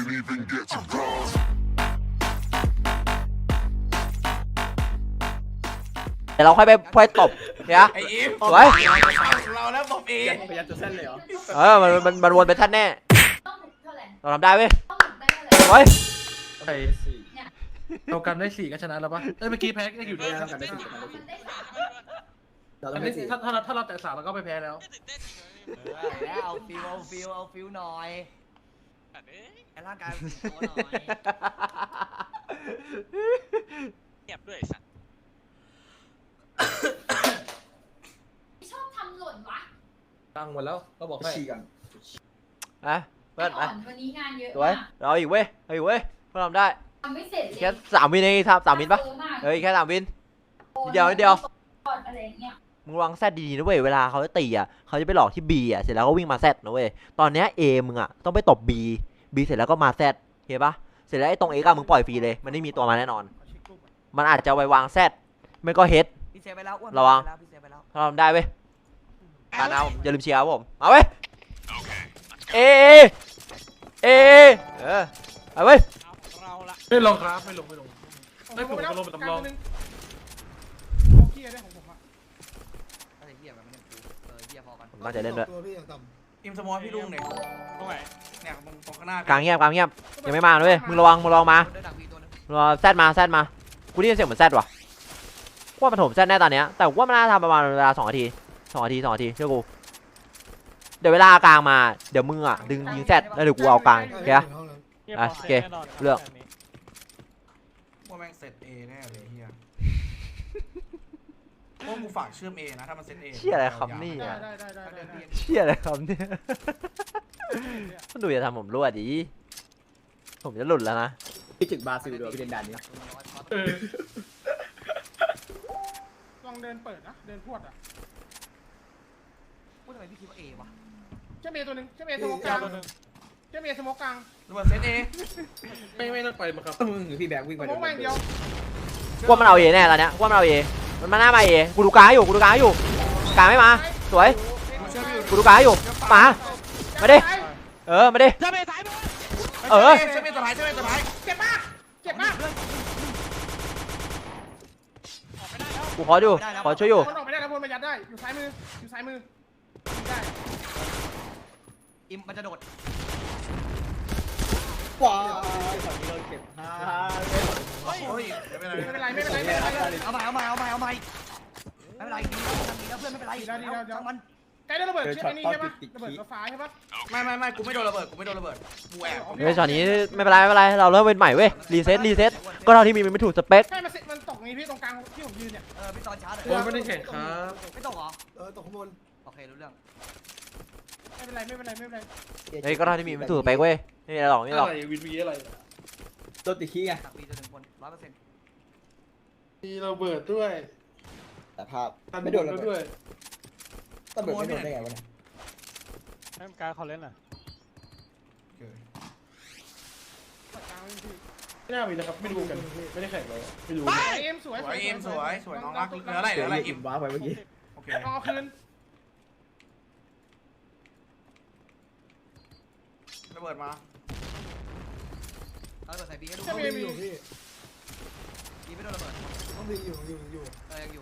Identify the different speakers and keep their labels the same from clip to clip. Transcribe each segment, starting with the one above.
Speaker 1: even get to cross.
Speaker 2: เดี๋ยวเราค่อยไปตบเนี่ย
Speaker 3: ไอ้อิม
Speaker 2: สวย
Speaker 3: เราแล้วบอกเอง
Speaker 4: พยายามจะเส้นเลยเหรอ
Speaker 2: มันวนไปท่านแน่
Speaker 5: ต้องหมุนเท่าไหร่
Speaker 2: เราทำได้เว้ย
Speaker 5: ต้องหมุนได้เท่าไหร่
Speaker 2: สวย
Speaker 4: ใส่เรากันได้4ก็ชนะแล้วปะเอ้ยเมื่อกี้แพ้ก็อยู่ด้วยเรากันได้4
Speaker 5: มันได้สาม
Speaker 4: อันนี้ถ้าเราแตะ3เราก็ไปแพ้แล้ว
Speaker 6: แล้วเอาฟิลหน่อยไอ้ร่างกายโตหน่อย
Speaker 7: เงียบด้วยสัตว์
Speaker 5: ชอบทำหล่นวะ
Speaker 4: ตั้งหมดแล้วก็บอกให้
Speaker 2: อ่ะเพื่อนไป
Speaker 5: วันนี้งานเยอะ
Speaker 2: สวย
Speaker 5: มาก
Speaker 2: เราอีกเว้ยเราอีกเว้ยเพื่อนทำได้
Speaker 5: ทำไม่เสร็จเลย
Speaker 2: แค่3 วินเองครับ3 วินปะเฮ้ยแค่3 วิน นิดเดียว
Speaker 5: อะไรเงี้ย
Speaker 2: มึงวางแซดดีๆนะเว้ยเวลาเขาจะตีอ่ะเขาจะไปหลอกที่ B อ่ะเสร็จแล้วก็วิ่งมาแซดนะเว้ยตอนเนี้ย A มึงอ่ะต้องไปตบ B เสร็จแล้วก็มาแซดเห็นปะเสร็จแล้วไอ้ตรง X อ่ะมึงปล่อยฟรีเลยมันไม่มีตัวมาแน่นอน มันอาจจะไปวางแซดไม่ก็เฮด
Speaker 6: พี่เซฟไปแล้วอ้วน
Speaker 2: ระวัง
Speaker 6: พี่เซฟไปแล้ว
Speaker 2: ถ้าทำได้เว้ยการเอาอย่าลืมเชียร์ครับผมเอาเว้ยเอเอาเว้ย
Speaker 7: เราละ
Speaker 4: ไม่ลงครับไม่ลงไม่ผมจะลงเป็นตำรอง
Speaker 6: ไอ้เหี้ยมันไม่ได้กูเหี้ยพอกัน
Speaker 2: ผมตั้งใจเล่นด้วย
Speaker 3: อิมสมอลพี่ลุงเนี่ย
Speaker 7: ตรงไหน
Speaker 3: เนี่ยตรงข้างหน้าก
Speaker 2: ลางเงียบยังไม่มาเลยมึงระวังมา
Speaker 6: เดินดักวีตัวนึง
Speaker 2: รอแซดมากูได้ยินเสียงเหมือนแซดว่ะกูว่ามันถมแซดแน่ตอนเนี้ยแต่กูว่ามันน่าทำประมาณเวลา2 นาทีเชื่อกูเดี๋ยวเวลากลางมาเดี๋ยวมึงอ่ะดึงยิงแซดแล้วเดี๋ยวกูเอากลางโอเคปะ อ่ะโอเคเลือก
Speaker 3: ว่าแม่งเซตเอแน่เลยเฮียพวกกูฝากเชื่อมเอนะถ้ามันเซตเอ
Speaker 2: เชี่ยอะไรครับนี่อ่ะเชี่ยอะไรครับเนี่ยมันดูจะทำผมรั่วดิผมจะหลุดแล้วนะ
Speaker 4: พี่ถึงบราซิลด้วยพี่เล่นด่านนี้
Speaker 8: ลองเดินเปิดนะ เดินพวดอ่ะ
Speaker 6: พูดทำไมพี่คิดว่าเอวะ
Speaker 8: เจ้าเมย์ตัวหนึ่งเจ้าเมย์สโมกกลางเจ้าเมย์สโมกกลาง
Speaker 3: ระเบิดเซตเอ
Speaker 4: ไม่ต้องไปมั้งครับมึงหรือพี่แบกวิ่ง
Speaker 8: ส
Speaker 4: ไป
Speaker 8: โมกแม่งเดียว
Speaker 2: กูว่ามันเอาเอแน่ตอนเนี้ยกูว่ามันเอาเอมันมาหน้ามาเอกูดูกลางอยู่กลางไม่มาสวยกูดูกลางอยู่มาดิมาดิ
Speaker 7: จะไปสายไป
Speaker 2: เออ
Speaker 3: เชื่อมเอตัวท้ายเชื่อมเอตัวท้าย
Speaker 8: เจ็บมากเจ็บมาก
Speaker 7: ออกไม่ได้แล้ว
Speaker 2: กูขอช่วยอยู่
Speaker 8: คนออกไม่ได้แล้วพลมายัดได้ อยู่ซ้ายมือได้
Speaker 6: อิมมันจะโดด
Speaker 4: ว้าวฝั่งนี้เราเก็บ5
Speaker 3: เฮ้ยไม่เป็นไร
Speaker 8: ไม่เป็นไร
Speaker 6: เอาใหม่ไม่เป็นไรดีแล้วเพื่อนไม่เป็นไรช่างมัน
Speaker 8: ใกล้ได้ระเบิดใช่ไหมนี่ใช่ปะระเบิดรถไฟใช่ปะ
Speaker 3: ไม่กูไม่โดนระเบิดกูแอบ
Speaker 2: เฮ้ยช็อตนี้ไม่เป็นไรเราเริ่มเป็นใหม่เว้ยรีเซ็ตก็เท่าที่มีมันไม่ถูกสเปค
Speaker 8: ให้มันตกนี้พี่ตรงกลางที่ผมยืนเนี่ย
Speaker 6: พี่ตอนช้าเลย
Speaker 4: ผมไม่ได้แข่งครับ
Speaker 6: ไม่ตกเหรอ
Speaker 4: ตกข้างบน
Speaker 6: โอเครู้เรื่อง
Speaker 8: ไม่เป็นไร
Speaker 2: เฮ้ยก็เท่าที่มีมันไม่ถูกสเปคเว้ยไม่มีอะไรหรอก
Speaker 4: อะไรวินวีอะไรตัวติดขี้ไง
Speaker 6: ดักวีตัวหนึ่งคน 100%
Speaker 4: มีเราเบิดด้วย
Speaker 9: แต่ภาพ
Speaker 4: ไม่โดนด้วย
Speaker 9: ระเบิดไม่โดนได้ไงวะเนี่ย
Speaker 7: ให้มันการเขาเล่นอ่ะ
Speaker 4: ไม่น่ามีนะครับไม่รู้กันไม่ได้แข่งเลยไม่รู้
Speaker 8: เอ็มสวย
Speaker 3: สวยเอ็มสวยน้องรักเหลืออะไรอิม
Speaker 4: ว้าไปเมื่อกี้
Speaker 3: โอเค
Speaker 8: เอาคืน
Speaker 3: ระเบิดมา
Speaker 6: เอาระเบิดใส่บีให้ดู
Speaker 8: เจ้าเมย์มี
Speaker 6: บีไม่โดนระเบิด
Speaker 9: ต้องมีอยู่
Speaker 6: ยังอยู่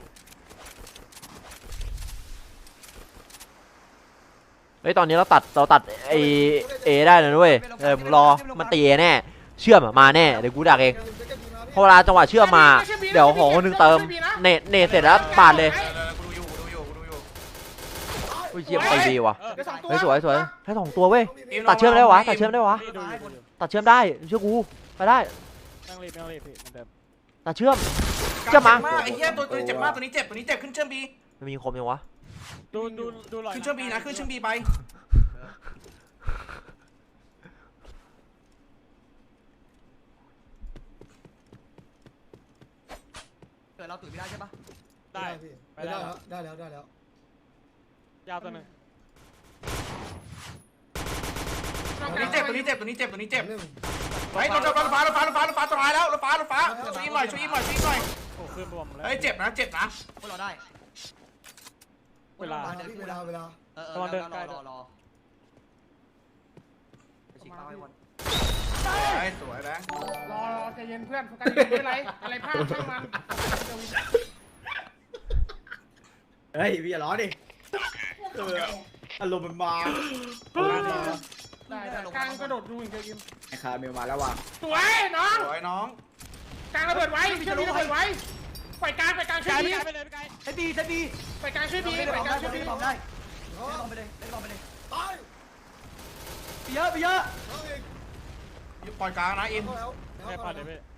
Speaker 2: เฮ้ยตอนนี้เราตัดเอได้เลยนะเว้ยมึงรอมันตีเอแน่เชื่อมมาแน่เดี๋ยวกูดักเองพอเวลาจังหวะเชื่อมมาเดี๋ยวของคนนึงเติมเนตเสร็จแล้วปาดเลย
Speaker 3: กูดูอยู่
Speaker 2: อุ้ยเยี่ยมตีดีว่ะ
Speaker 8: ได้2ตัว
Speaker 2: เฮ้ยสวยให้2 ตัวเว้ยตัดเชื่อมได้วะตัดเชื่อมได้เชื่อกูไปได้
Speaker 7: นั่งรีบพี่มันเดิม
Speaker 2: ตัดเชื่อมมา
Speaker 3: ไอ้เหี้ยตัวนี้เจ็บมากตัวนี้เจ็บขึ้นเชื่อมบี
Speaker 2: มันมีคมยังวะ
Speaker 7: ดูหน่อย
Speaker 3: ขึ้นเชื่อมบีนะขึ้นเชื่อมบีไป
Speaker 6: เกิดเราตุ๋ยไม่ได้ใช่ปะ
Speaker 7: ได้ไปได้
Speaker 9: ได้แล้ว
Speaker 7: ยาวตัวหนึ่ง
Speaker 3: ตัวนี้เจ็บเฮ้ยรถฟ้าตัวท้ายแล้วรถฟ้าช่วยอีกหน่อย
Speaker 7: โอ้ขึ้นบวมแล้ว
Speaker 3: เฮ้ยเจ็บนะ
Speaker 6: พวกเราได้
Speaker 7: เวลา
Speaker 6: เดิน
Speaker 9: เวลา
Speaker 6: รอไปฉีกเป้าให้วัน
Speaker 3: สวยแบงค์
Speaker 8: รอใจเย็นเพื่อนโฟกัสไม่เป็นไรอะไรพลาดช่างมัน
Speaker 9: เฮ้ยพี่อย่าร้อนดิอารมณ์มันมา
Speaker 8: ได้กลางกระโดดดูอย่างเดียวยิม
Speaker 9: ไอ้คาเมลมาแล้วว่ะ
Speaker 8: สวยน้อง
Speaker 3: สวยน้อง
Speaker 8: กลางระเบิดไว้ช่วยบีระเบิดไว้ปล่อยกลางช่วย
Speaker 7: ไกล
Speaker 8: บี
Speaker 7: ไปเลยไปไกล
Speaker 6: เซบีเซบี
Speaker 8: ปล่อยกลางช่วยบี
Speaker 6: เล่น
Speaker 8: ปล่อยกลางช่วยบี
Speaker 6: บอลได้เล่นบอลไปเลยเล่นบอลไปเลย
Speaker 9: ตาย
Speaker 6: ไปเยอะไปเยอะ
Speaker 9: น้องเอง
Speaker 3: ปล่อยกลางนะอิน
Speaker 9: เข้าแล้ว
Speaker 7: แค่พอเดี๋ยวพี่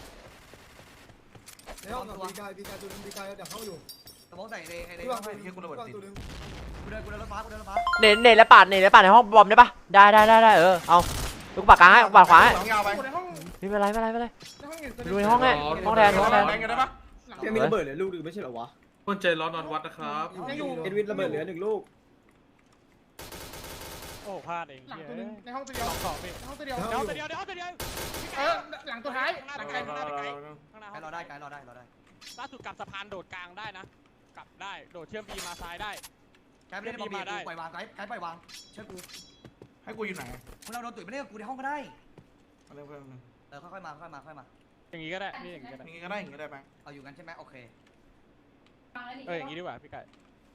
Speaker 9: ในห้องกับบีกายตัวนึงบีกายเดี๋ยวเข้าอยู่
Speaker 6: สมองใส่ใน
Speaker 9: พี่วาง
Speaker 3: ไอ้เหี้ยกูระเบิดติด
Speaker 9: ตัวนึง
Speaker 6: กูเดินรถฟ้ากูเดินรถฟ้า
Speaker 2: เนตและปาดในห้องบอมได้ปะได้เอาลูกปากกลางให้ปาดขวาให้
Speaker 3: สองยาวไป
Speaker 8: ในห้อง
Speaker 2: ไม่เป็นไร
Speaker 8: ในห้องอื่น
Speaker 2: ดูในห้องให้ห้องแทน
Speaker 3: แบงค์กันได้ปะ
Speaker 9: แค่มีระเบิดเหลือลูกนึงไม่ใช่เหรอวะ
Speaker 4: คนใจร้อนนอนวัดนะครับ
Speaker 9: เอ็ดวินระเบิดเหลือ1ลูก
Speaker 7: โอ้พลาดเอง
Speaker 8: หลัง
Speaker 7: เฮ้
Speaker 8: ตัวย นึงในห้องตัวเดี
Speaker 7: ส
Speaker 8: ยว
Speaker 7: องสองพี่
Speaker 8: ในห้องตัวเดียว
Speaker 7: เดี๋ยวเดี๋ยวเดี๋ยว
Speaker 8: หลังตัวท้าย
Speaker 7: ข้างหน้า
Speaker 8: หลัง
Speaker 7: ไป
Speaker 8: ไกล
Speaker 7: ข้างหน้าไปไกลข้างหน้า
Speaker 6: ไกลรอได้ไกลรอได้รอได้
Speaker 7: ล่าสุดกลับสะพานโดดกลางได้นะกลับได้โดดเชื่อมบีมาซ้ายได้
Speaker 6: ไกลไม่ได้บอลบีปล่อยวางไกลปล่อยวางเชื่อกู
Speaker 3: ให้กูอยู่ไหน
Speaker 6: มึงเราโดนตุ๋ยไม่ได้กูในห้องก็ได้
Speaker 3: มาเร็วเพื่อน
Speaker 6: ค่อยมาค่อยมา
Speaker 7: อย่างงี้ก็ได้พี่อย่างงี้ก็ได้
Speaker 3: อย่างงี้ก็ได้อย่างงี้ได้แบงค์
Speaker 6: เอาอยู่กันใช่ไหมโอเค
Speaker 5: ฟังแล้วนี่
Speaker 7: อย่างงี้ดีกว่าพี่ไก่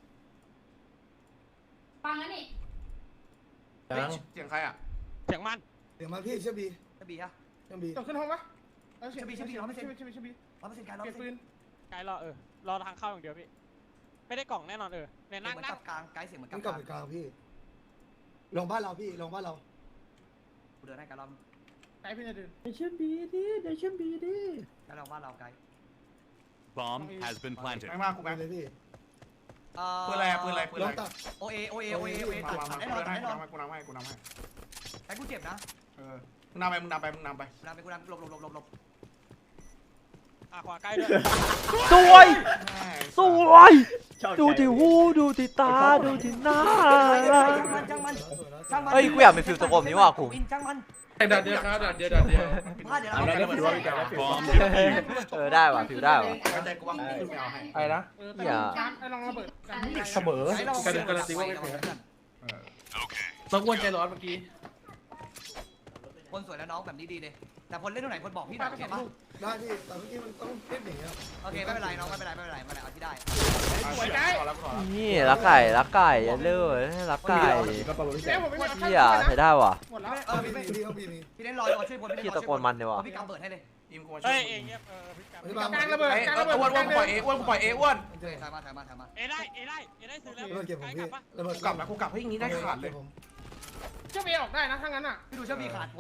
Speaker 5: ฟังแล้วนี่
Speaker 3: เสียงใครอ่ะ
Speaker 7: เสียงมัน
Speaker 9: เดี๋ยวมาพี่เชื่อบี
Speaker 6: เซบีฮะ
Speaker 9: เชื่อบี
Speaker 8: ตกขึ้นห้องปะ
Speaker 6: เชื่อบี100%
Speaker 8: บี
Speaker 6: 100%ไกล
Speaker 8: เก็บปืน
Speaker 7: ไกลรอรอทางเข้าอย่างเดียวพี่ไม่ได้กล่องแน่นอนเนี่ย
Speaker 6: นั่
Speaker 7: นั่
Speaker 6: ง
Speaker 7: งนั่ง
Speaker 6: กับกลางไกลเสียงเหมือนกั
Speaker 9: มั
Speaker 6: บ
Speaker 9: นกลับไปกลางพี่ลงบ้านเราพี่ลงบ้านเรา
Speaker 6: กูเดินให้ไกลเรา
Speaker 8: ไกลพี่จะเดิน
Speaker 9: เดี๋ยวเชื่อบีดิเดี๋ยวเชื่อบีดิ
Speaker 6: ไกลเราบ้านเราไกล
Speaker 1: Bomb has been planted.
Speaker 3: แบงค์มากกูแบงค์
Speaker 9: เลยพี่
Speaker 3: ปืนอะไรปืนอะไร
Speaker 9: ลงตัด
Speaker 6: โอเอตัด
Speaker 3: มา
Speaker 6: แน่นอนแน่นอน
Speaker 3: กูนำให้
Speaker 6: ไอ้กูเจ็บนะ
Speaker 3: มึงนำไป
Speaker 6: กูนำหลบ
Speaker 7: ขวาใกล้ด้วย
Speaker 2: สวยดูที่หูดูที่ตาดูที่หน้า
Speaker 6: ช่างมัน
Speaker 2: เฮ้ยกูอยากเป็นฟิลตะโกนนี้ว่ะกู
Speaker 6: ช่างมัน
Speaker 4: ดัดเดียวครับดัดเดียว
Speaker 6: พลาดเดี๋ยว
Speaker 3: เอาได้ระเบิดว่ามีการ
Speaker 1: Bomb defused.
Speaker 2: ได้ว่ะฟิลได้ว่ะ
Speaker 3: เข้าใจกูว่าขึ้นไม่เอาให้
Speaker 9: อะไรนะ
Speaker 8: ไอ้ลองระเบิดกัน
Speaker 9: เสมอ
Speaker 4: การันตีว่าไม่แพ้ต้องวนใจร้อนเมื่อกี้
Speaker 6: คนสวยแล้วน้องแบบนี้ดีเลยแต่คนเล่นตรงไหนคนบอกพี่หน่อยโอเคปะ
Speaker 9: ได้พี่แต่เมื่อกี้มันต้องเล่นอย่างเงี้ย
Speaker 6: โอเคไม่เป็นไรน้องไม่เป็นไรเอาที่ได้
Speaker 2: นี่รักไก่อย่าเลื่อยรักไก่
Speaker 9: ก็ประมาณ
Speaker 8: เดี๋ยวผมไม่มี
Speaker 2: เฮียใช้ได้ว่ะ
Speaker 8: หมดแล้ว
Speaker 9: พี่เขาบีมี
Speaker 6: พี่เล่นรอช่วยคน
Speaker 2: พี่ตะโกนมันเลยว่ะ
Speaker 6: พี่กำเปิดให้เลย
Speaker 3: อิมกูมาช่
Speaker 7: เฮ้
Speaker 3: วย ย
Speaker 7: เองเงียบพี่ไก่
Speaker 9: พี่บาง
Speaker 8: กลางระเบิดกลางระเบิด
Speaker 3: อ้วนกูปล่อยอ้วน
Speaker 6: ถ่ายมา
Speaker 7: ได้ซื้อแล้ว
Speaker 9: ระเบิดเก็บผมพี่ระเบิด
Speaker 3: กูกลับนะกูกลับให้อย่างงี้ได้ขาดเลย
Speaker 8: เจ้าเมย์ออกได้นะถ้างั้นอ่ะ
Speaker 6: พี่ดูเชื่อมีขาดคน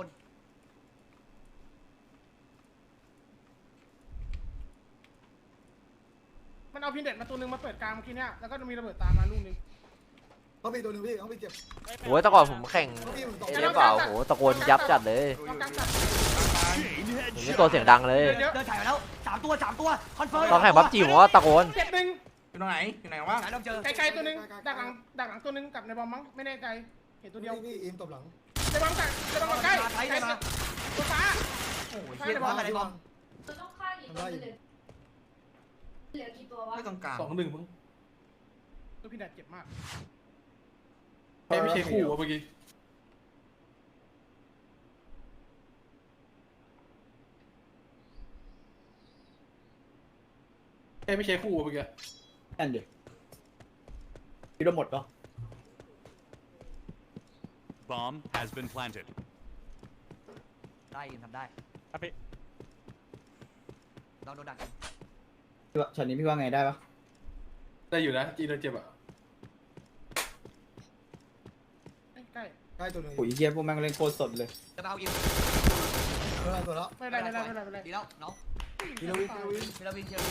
Speaker 8: มันเอาพินเด็ดมาตัวนึงมาเปิดกลางเมื่อกี้เนี่ยแล้วก็มีระเบิดตามมาลูกนึง
Speaker 9: เขาบีตัวนึงพี่เขาบีเจ็บ
Speaker 2: โอ้ยแต่ก่อนผมแข่งเอเปล่าโหตะโกนยับจัดเลย
Speaker 8: เอากลางจัด
Speaker 2: ผมนี่ตัวเสียงดังเลย
Speaker 6: เดินถ่ายมาแล้ว3 ตัวคอนเฟิร์ม
Speaker 2: ตอนแข่งบัฟจีผมว่าตะโกน
Speaker 8: เจ็บหนึ่ง
Speaker 3: อยู่ตรงไหนอยู่ไหนวะ
Speaker 6: ถ่ายเราเจอ
Speaker 8: ไกลๆตัวนึงดักหลังตัวนึงกับในบอมมั้งไม่แน่ใจเห็นตัวเดียว
Speaker 9: พี่อิมตบหลัง
Speaker 8: ในบอมใกล้ตัวฟ้า
Speaker 3: โอ้ย
Speaker 6: เฮียบอลอะไรบอล
Speaker 5: เราต้องฆ่ากี่ตัวเหลือกี่ตัววะ
Speaker 3: ไม่ตรงกลาง
Speaker 4: 2-1มึง
Speaker 8: ตัวพินเด็ดเจ็บมาก
Speaker 4: ไม่ใช่คู่เมื่อกี้ไม่ใช่คู่เมื่อกี้
Speaker 9: นั่นดิพี่โดนหมดเหรอ
Speaker 1: Bomb has been planted.
Speaker 6: ได้ทำได้
Speaker 7: พี่
Speaker 6: เราโดนดัก
Speaker 9: ช็อตนี้พี่ว่าไงได้ปะ
Speaker 4: ได้อยู่นะจีนเจ็บอ่ะ
Speaker 8: ใกล้
Speaker 9: ใกล้ตัวนึงปุ๋ยเชี่ยพวกแม่งเล่นโคตรสดเลย
Speaker 6: จะเอาอิม
Speaker 9: ตัวแล้ว
Speaker 8: ไม่ได้
Speaker 6: ดีแล้วน้อง
Speaker 9: พี่ลวิน
Speaker 6: พี่ลวินเชียร์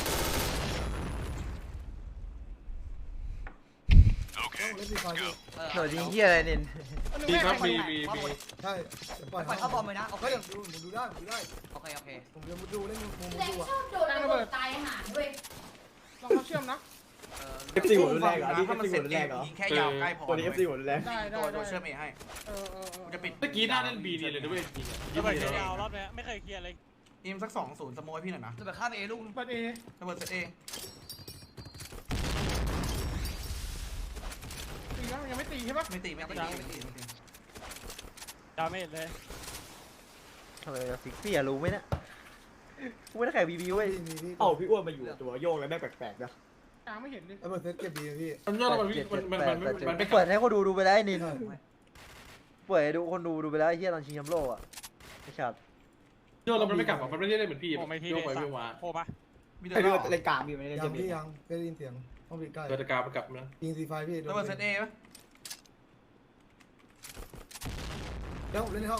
Speaker 9: เล่นฟรีไฟพี่
Speaker 2: โดดยิงเฮียอะไรนิน
Speaker 4: มีครับมี
Speaker 9: ใช่ปล่อย
Speaker 6: ปล่อยเข้าบอมเลยนะโอเค
Speaker 9: เฮ้ยดูได้
Speaker 6: โอเค
Speaker 9: ผมจะดูเล่นมุม
Speaker 5: แรง
Speaker 9: ดูอ่ะ
Speaker 5: ชอบโดนระเบิดตายหาด้วย
Speaker 8: ลองเขาเชื่อมนะ
Speaker 9: FC หัวรุนแรงเหรอนี่
Speaker 3: ถ้ามัน
Speaker 9: FC
Speaker 3: เสร็
Speaker 9: หั
Speaker 3: จ
Speaker 9: วรุนแรงเหรอ
Speaker 3: ยิงแค่ยาวใกล้พอ
Speaker 9: ตัวนี้ FC หัวรุนแรง
Speaker 8: ได้
Speaker 3: ตัวเชื่อมเอให้ จะปิด
Speaker 4: เมื่อกี้หน้าเล่นบีดีเลยนะเว้ย
Speaker 7: ระเบิดยาวรอบนี้ไม่เคยเคลียร์เลย
Speaker 3: อิมสัก2-0สโมยพี่หน่อยนะ
Speaker 6: จะไปข้ามเอลูก
Speaker 8: เปิดเอ
Speaker 3: ระเบิดเซตเอง
Speaker 8: ตีแล้วยังไม่ตีใช่ปะ
Speaker 3: ไม่ตี
Speaker 7: ดาเมจเลย
Speaker 2: ทำไมจะฟิกพี่อะรู้ไหมเนี่ยกูไม่ได้แข่งบีบีเว้ย
Speaker 9: เอ้าพี่อ้วนมาอยู่ตัวโยกแล้วแม่งแปลกๆนะ
Speaker 8: กลางไม่เห็นดิ
Speaker 9: แล้วมันเซ็ตเก็บดีพี่
Speaker 4: มันยอดมันไม่
Speaker 2: เปิดให้คนดูไปแล้วไอ้นินเปิดให้ดูคนดูไปแล้วไอ้เหี้ยตอนชิงแชมป์โลกอ่ะไอ้ชัด
Speaker 4: ยอดเรามันไม่กลับมันไม่ได้เหมือนพี่
Speaker 7: โอ้ไม่ที่
Speaker 4: โย
Speaker 7: เด็
Speaker 4: กไป
Speaker 7: ด
Speaker 4: โยกมา
Speaker 7: โคปะ
Speaker 3: มีเดื
Speaker 9: ไอ้
Speaker 3: อด
Speaker 9: เรื่อง
Speaker 3: ร้อน
Speaker 9: รายการพี่ไม่ได้
Speaker 10: ยั
Speaker 9: เจ็
Speaker 10: ง
Speaker 9: บ
Speaker 10: พี่ยังได้ยินเสียงต้องปิดใกล้
Speaker 4: เกิดการมันกลับนะ
Speaker 10: ยิงซีไฟพี่
Speaker 3: ระเบิดเซตเอปะ
Speaker 10: เดี๋ยวเล่นในห้อง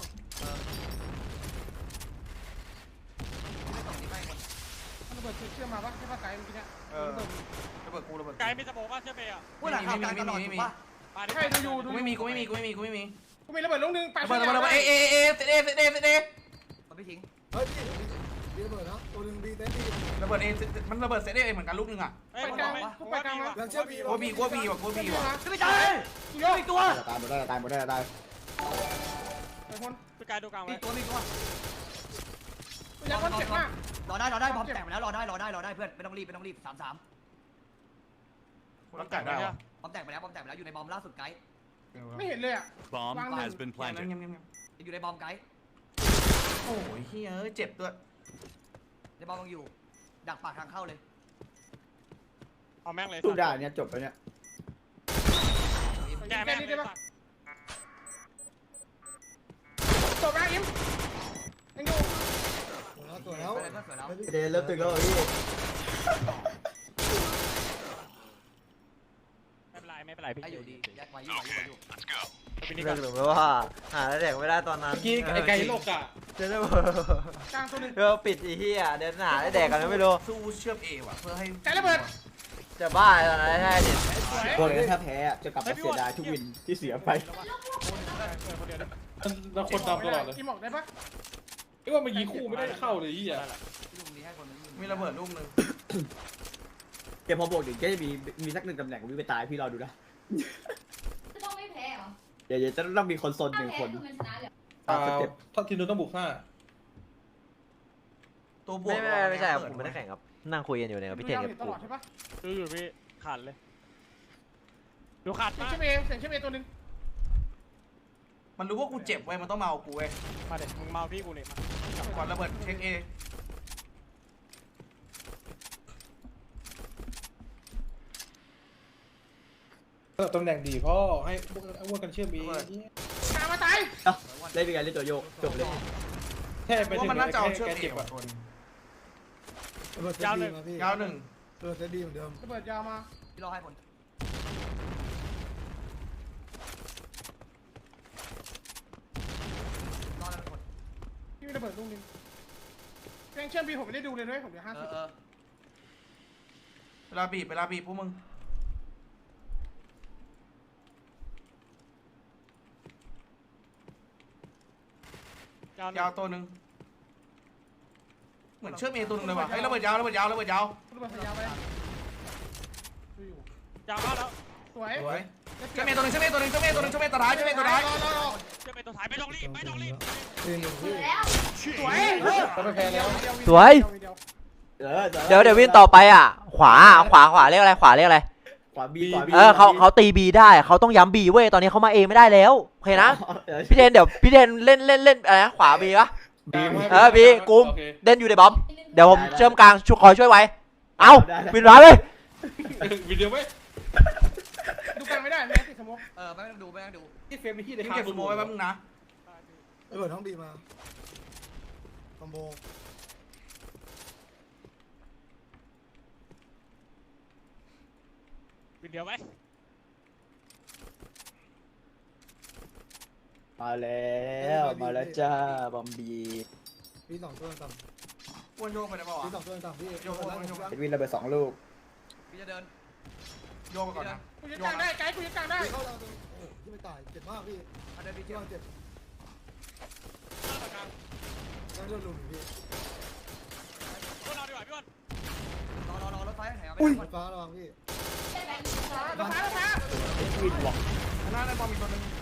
Speaker 8: มันระเบิดเชื่อมมาปะใช่ปะไกลเมื่อกี้เนี่ย
Speaker 3: ระเบิดกูระเบิด
Speaker 7: ไกลมีสโมกว่าเชื่อเปย์อ่ะ
Speaker 6: พูดหลังข่าวกลางตลอดถูกปะ
Speaker 7: มาดิ
Speaker 8: ใช่ดูอยู่
Speaker 3: กูไม่มีกูไม่มีกูไม่มีกูไม่มี
Speaker 8: กูมีระเบิดลูกนึงไประ
Speaker 3: เบิดระเบิดระเบิดเอเซตเอเซตเอเซตเอ
Speaker 6: มันไม่ทิ้ง
Speaker 10: เฮ้ยพี่ระเบิดนะตัวหนึ่งบีเต้นบี
Speaker 3: ระเบิดเอมันระเบิดเซตเอเหมือนกันลูกนึงอ่ะ
Speaker 7: เฮ้ย
Speaker 8: ไปกลางกูไปกลางมา
Speaker 10: ยังเชื่อบี
Speaker 3: กูบีกูบีว่ะกูบีว่ะ
Speaker 6: จะไม่ใช่โยกอีกตัว
Speaker 9: ตายหมดได้ตายหมดได้ตาย
Speaker 8: ไอ้คน
Speaker 7: พี่กายดูกลางไว้
Speaker 6: มีตัวมีตัว
Speaker 8: กูอยากคนเจ็บมาก
Speaker 6: รอได้บอมแตกไปแล้วรอได้เพื่อนไม่ต้องรีบ3-3
Speaker 3: รับจ่ายได้เหรอบ
Speaker 6: อมแตกไปแล้วอยู่ในบอมล่าสุดไกด์
Speaker 8: ไม่เห็นเลยอ่ะ
Speaker 1: Bomb has been
Speaker 3: เงียบ
Speaker 1: planted.
Speaker 3: เงียบเงียบ
Speaker 6: อยู่ในบอมไกด์
Speaker 3: โอ้ยเฮ้ยเจ็บด้วย
Speaker 6: ในบอมยังอยู่ดักปากทางเข้าเลย
Speaker 7: เอาแม่งเลย
Speaker 9: สู้ได้เนี่ยจบไปเนี่ย
Speaker 7: แกแม่งเลย
Speaker 8: จบแล้วอิมยังอยู่
Speaker 10: ตัวแล้ว
Speaker 6: ไปเลยเพื่อนสวยแล้ว
Speaker 9: เดนเริ่มตึงแล้วพี่
Speaker 7: ไม่เป็นไรพี่
Speaker 6: ไอ้อยู่ดีแยกไว้อยู่
Speaker 7: พี่นี่
Speaker 2: เลิ
Speaker 7: ก็
Speaker 2: กหรือไม่ว่าหาแดกไม่ได้ตอนนั้น
Speaker 4: เมื่อกี้ไอ้ไก่โลกอ่ะ
Speaker 2: เจะได้
Speaker 8: กลางตัวนึง
Speaker 2: ปิดอีเหี้ยเดินหาได้แดกกันไม่รู้
Speaker 3: สู้เชื่อมเอว่ะเพื่อให้
Speaker 8: ไกลระเบิด
Speaker 2: จะบ้าตอนนั้นแท้ดิ
Speaker 9: ตัวนี้ถ้าแพ้จะกลับมาเสียดายทุกวินที่เสียไป
Speaker 4: แล้วคนดำตลอดเลย
Speaker 8: กินหมอกได้ปะ
Speaker 4: ไอ้ว่ามันยิงคู่ไม่ได้เข้าเลยยี่อ่ะ
Speaker 6: ลุงนี้ให้คนนึง
Speaker 3: มีระเบิดลูกนึง
Speaker 9: เกมพอบวกถึงก็จะมีสักหนึ่งตำแหน่งวิ่งไปตายพี่รอดูนะ
Speaker 5: จะต้องไม่แพ้เหรอ
Speaker 9: เดี๋ยวจะต้องมีคนซนห
Speaker 5: ถ้า
Speaker 9: นึ่ง
Speaker 5: แพ้
Speaker 9: คน
Speaker 5: คือมันชนะเลย
Speaker 4: ถ้าทีนู้นต้องบุก5
Speaker 3: ตัวบวก
Speaker 2: ไม่ใช่ผมไม่ได้แข่งครับนั่งคุยกันอยู่เนี่ยกับพี่เทนกับ
Speaker 8: เห็นต
Speaker 2: กู
Speaker 8: ลอดใช่ปะ
Speaker 7: ดูอยู่พี่ขาดเลยดูขาด
Speaker 8: เสียง
Speaker 7: มา
Speaker 8: เชื่อมเอตัวนึง
Speaker 3: มันรู้ว่ากูเจ็บเว้ยมันต้องมาเอากูเว้ย
Speaker 7: มาเด็กมึงมาพี่กูเลยมา
Speaker 3: ก่อนระเบิดเช็คเอ
Speaker 4: ตำแหน่งดีพ่อให้อ้วนกันเชื่อมอี
Speaker 8: กลางมาตาย
Speaker 9: เล่นเป็นไงเล่นตัวโยกจบเลย
Speaker 4: แค่ไป
Speaker 3: ว่า
Speaker 4: ถึง
Speaker 3: มันน่าจะเอาเชื่อม
Speaker 4: แก
Speaker 3: เอ
Speaker 4: เจ็บ
Speaker 3: ว่ะ
Speaker 4: อ่ะ
Speaker 3: คน
Speaker 10: ระเบิดเซตบีมาพี่
Speaker 3: ยาวหนึ่ง
Speaker 10: ระเบิดเซตบีเหมือนเดิม
Speaker 8: ระเบิดยาวมา
Speaker 6: ที่รอให้คน รอแล้วคน
Speaker 8: ที่มีระเบิดลูกนึงแกงเชื่อมบีผมไม่ได้ดูเลยด้วยผมเหลือ50
Speaker 3: เวลาบีบพวกมึง ยาวตัวหนึ่งเหมือนเชื่อมเอตัวหนึ่งเลยว่ะไอ้ระเบิดยาว
Speaker 8: ระเบิดยาวไปดูอยู่
Speaker 7: ยาวเข้าแล้ว
Speaker 8: สวย
Speaker 3: สวยเชื่อมเอตัวหนึ่งเชื่อมเอตัวหนึ่งเชื่อมเอตัวหนึ่งเชื่อมเอตัวท้ายเชื่อมเอตัวท้าย
Speaker 8: รอ
Speaker 7: เชื่อเป็นตัวท้ายไม่ต้องรีบ
Speaker 10: ตีหนึ่งพี่
Speaker 5: แล้ว
Speaker 8: สวย
Speaker 4: ก็ไม่แพ้แล้ว
Speaker 2: สวย
Speaker 8: เดี๋ยว
Speaker 2: เดี๋ยววิ่งต่อไปอ่ะขวาเรียกอะไรขวาเรียกอะไร
Speaker 9: ขวาบี
Speaker 2: เขาตีบีได้เขาต้องย้ำบีเว้ยตอนนี้เขามาเอไม่ได้แล้วโอเคนะพี่เทนเดี๋ยวพี่เทนเล่นอะไรนะขวาบีปะบีกุมเด่นอยู่ในบอมเดี๋ยวผมเชื่อมกลางคอยช่วยไว้เอาวินร้ายเลย
Speaker 4: วิดีโอไหม
Speaker 8: ดูกันไม่ได้ไม่ติดสมอง
Speaker 6: ไม่ต้องดู
Speaker 4: ที่เฟรมมีที่ใน
Speaker 3: เก็บสโมไว้แป๊บนึงนะ
Speaker 10: ระเบิดห้องบีมาคอมโบ
Speaker 7: วินเดียวไหม
Speaker 9: มาแล้วจ้าบอมบี
Speaker 10: พี่สองตัวต่
Speaker 3: อ้วนโยกไปได้ป่าว
Speaker 10: ำพี่สองตัวต่ำพี่
Speaker 9: เป็นวินระเบิด2 ลูก
Speaker 6: พี่จะเดิน
Speaker 3: โยกไปก่อนนะ
Speaker 8: กูยึดกลางได้ไกด์กูยึดกลางได้
Speaker 10: เข้าเราโอ้ที่ไม่ตายเจ็บมากพี่
Speaker 6: เดินพี่
Speaker 10: ที่
Speaker 6: เที่ยว
Speaker 10: วางเจ็บ
Speaker 7: กลาง
Speaker 10: ต้องเลือดลุมพี่
Speaker 7: พวกเราดีกว่าพี่อ้วน
Speaker 6: รอรถไฟแถว
Speaker 10: อุ้ยฟ้าระวังพี่
Speaker 5: ได้แบงค์
Speaker 8: รถฟ้า
Speaker 9: วินบอก
Speaker 3: หน้าในบอมมีตัวนึง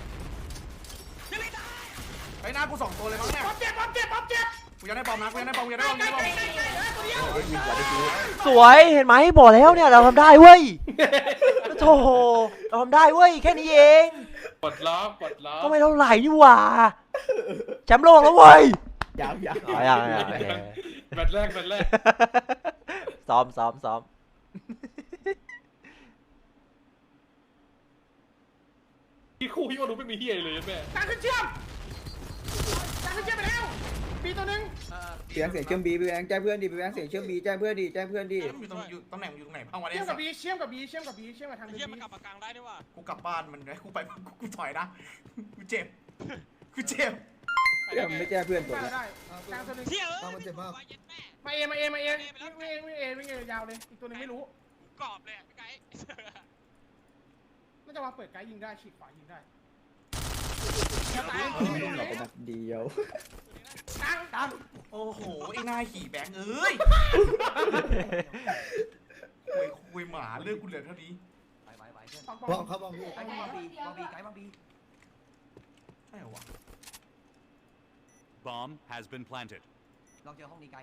Speaker 3: ไอ้หน้ากู2ตัวเลยมั้งเนี่ย
Speaker 8: ป๊อปเจ็บ
Speaker 3: กูยังได้บอมนะกูยังได้บอมตัวเดียว
Speaker 9: วินกว่าได้ดู
Speaker 2: สวยเห็นไหมบอกแล้วเนี่ยเราทำได้เว้ยโธ่เราทำได้เว้ยแค่นี้เอง
Speaker 4: ปลดล็อก
Speaker 2: ก็ไม่เท่าไหร่นี่หว่าแชมป์โลกแล้วเว้ย
Speaker 9: ยัง
Speaker 2: อ๋อยังโอเค
Speaker 4: แมตช์แรก
Speaker 2: ซ้อม
Speaker 4: พี่คู่พี่ว่ารู้ไม่มีเฮียเลยแม่
Speaker 8: กลางขึ้นเชื่อมกลางขึ้นเชื่อมไปแล้วปีตัวหนึง
Speaker 9: เสียงเชื่อมบีไปแบงค์แจ้งเพื่อนดิไปแบงค์เสียงเชื่อมบีแจ้งเพื่อนดิ
Speaker 3: อยู่ตำแหน่งอยู่ตรงไหนเอามาได้
Speaker 8: เชื่อม
Speaker 3: สั
Speaker 8: กับ
Speaker 3: ตว์
Speaker 8: บีเชื่อมกับบีเชื่อมกับบีเชื่อมกับทาง
Speaker 7: ไอ้
Speaker 8: บี
Speaker 7: เหี้ยมันกลับมากลางได้ด้วยว่ะ
Speaker 3: กูกลับบ้านมันเลยกูไปกูถอยนะกูเจ็บกูเจ็บ
Speaker 9: เชื่อมไม่แจ้งเพื่อนตัว
Speaker 8: ได้
Speaker 9: เนี้ย
Speaker 8: ได้กลางตัวหนึง
Speaker 7: เที่ยเอ้ย
Speaker 10: ตามมันเจ็บมาก
Speaker 7: เย็ดแม่
Speaker 8: มาเอวิ่งยาวเลยอีกตัวหนึงไม่รู้
Speaker 7: กรอบเลยพี่ไก่
Speaker 8: น่าจะวางเปิดไกด์ยิงได้ฉีกขวายิงได้
Speaker 9: เราเป็นนักเดียว
Speaker 8: กลาง
Speaker 3: โอ้โหไอ้หน้าขี่แบงค์เอ้ยคุยหมาเรื่องกูเหลือเท่านี้
Speaker 6: ไปเพื่อน
Speaker 8: ปอง
Speaker 10: บอมครับบอมพี่
Speaker 6: ไก่บางบีไก่บางบี
Speaker 3: ใช่เหรอวะ
Speaker 1: Bomb has been planted.
Speaker 6: ลองเจอห้องนี้ไก่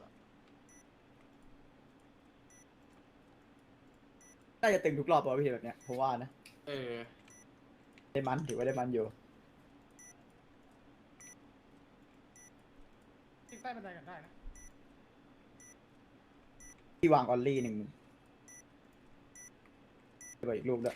Speaker 9: น่าจะตึงทุกรอบป่ะพี่แบบเนี้ยผมว่านะ
Speaker 4: อ
Speaker 9: ได้มันถือว่าได้มันอยู่
Speaker 8: ยิงใต้บันไดกันได้นะ
Speaker 9: ที่วางออลลี่หนึ่งไปอีกลูกด้วย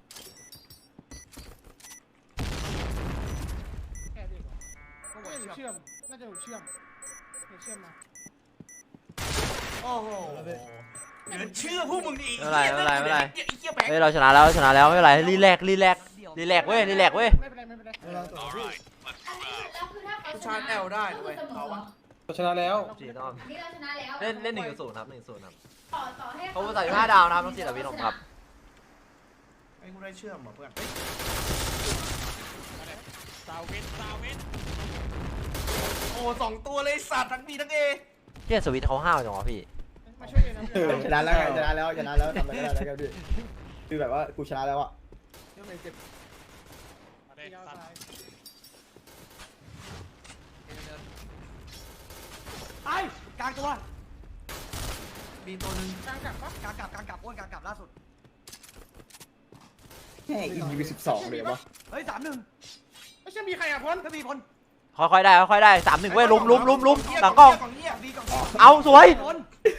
Speaker 8: แค่เดียวน่าจะเชื่อมน่าจะเชื่อมเชื่อมมา
Speaker 3: โอ้โหเดี๋ยวเชื่อพวกมึงดิ
Speaker 2: ไม่เป็นไร
Speaker 3: ไอ้เหี้ยแบงค์
Speaker 2: เฮ้ยเราชนะแล้วไม่เป็นไรรีแลกเว้ย
Speaker 8: ไม่เป็นไร
Speaker 10: เวลาต่อสู้
Speaker 5: แล้วคือถ้าเขา
Speaker 3: ชาร์จแอลได้ด้วยเขาอะ
Speaker 4: ชนะแล้ว
Speaker 2: สีต้อม
Speaker 5: นี่เราชนะแล้ว
Speaker 2: เล่น1-0ครับ1-0ครับ
Speaker 5: ต่อให้
Speaker 2: เขาใส่5 ดาวนะครับน้องซีดาวินผมครับ
Speaker 3: ไอ้กูได้เชื่อมเหรอเพื่อน
Speaker 7: ซาวิน
Speaker 3: โอ้สองตัวเลยสัตว์ทั้งบีทั้งเอ
Speaker 2: เที่ยสวิตเขาห้าวจังวะพี่
Speaker 8: มาช่วยเองนะ
Speaker 9: ชนะแล้วชนะแล้วทำอะไรก็ได้แล้วครับพี่คือแบบว่ากูชนะแล้วอะ
Speaker 7: มาเด็
Speaker 8: ยาว
Speaker 7: สัตว์
Speaker 8: ซ้าย
Speaker 6: ไปกลางตัว
Speaker 3: บีตัวนึง
Speaker 8: กลางกลับปะ
Speaker 6: กลางกลับอ้วนกลางกลับล่าสุด
Speaker 9: แค่อีวี12เลยวะ
Speaker 6: เฮ้ย3-1
Speaker 8: ไม่ใช่มีใครอ่ะพ้น
Speaker 6: ก็มีพล
Speaker 2: ค่อยๆได้3-1เว้ยลุมหลังกล้อง
Speaker 3: เหี้ย
Speaker 6: บีก่อน
Speaker 2: เอาสวย
Speaker 6: พล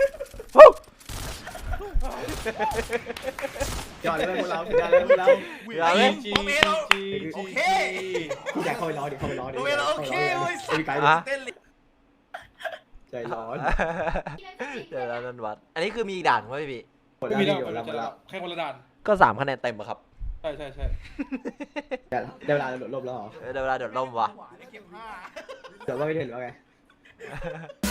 Speaker 9: ยอดเลยพวกเราชนะแล้วพวกเรา
Speaker 2: เดี๋ยวเลย
Speaker 3: โอเคเราโอเค
Speaker 9: พี่แจ็คเข้าไปรอดิเข้าไปรอดิ
Speaker 3: โอเคเว้ยสัต
Speaker 9: มี
Speaker 3: ว์
Speaker 9: ไกด์
Speaker 3: เต้นเลย
Speaker 9: ใจร้อน
Speaker 2: เดี๋ยวนันวัดอันนี้คือมีอีกด่านไหมพี่
Speaker 9: หมด
Speaker 4: ไม่
Speaker 9: แล้ว
Speaker 4: มี
Speaker 9: พี่
Speaker 4: แล้ว
Speaker 9: หมดแล้วหมดแล้ว
Speaker 4: แค่คนละด่าน
Speaker 2: ก็3 คะแนนเต็มอะครับ
Speaker 4: ใช่
Speaker 9: ได้เวลาหลบแล้วเหรอ
Speaker 2: เดี๋ยวเวลาเดือดร่มวะ
Speaker 3: ได้เก็บ5
Speaker 9: เดี๋ยวว่าไม่ถึงหรือว่าไง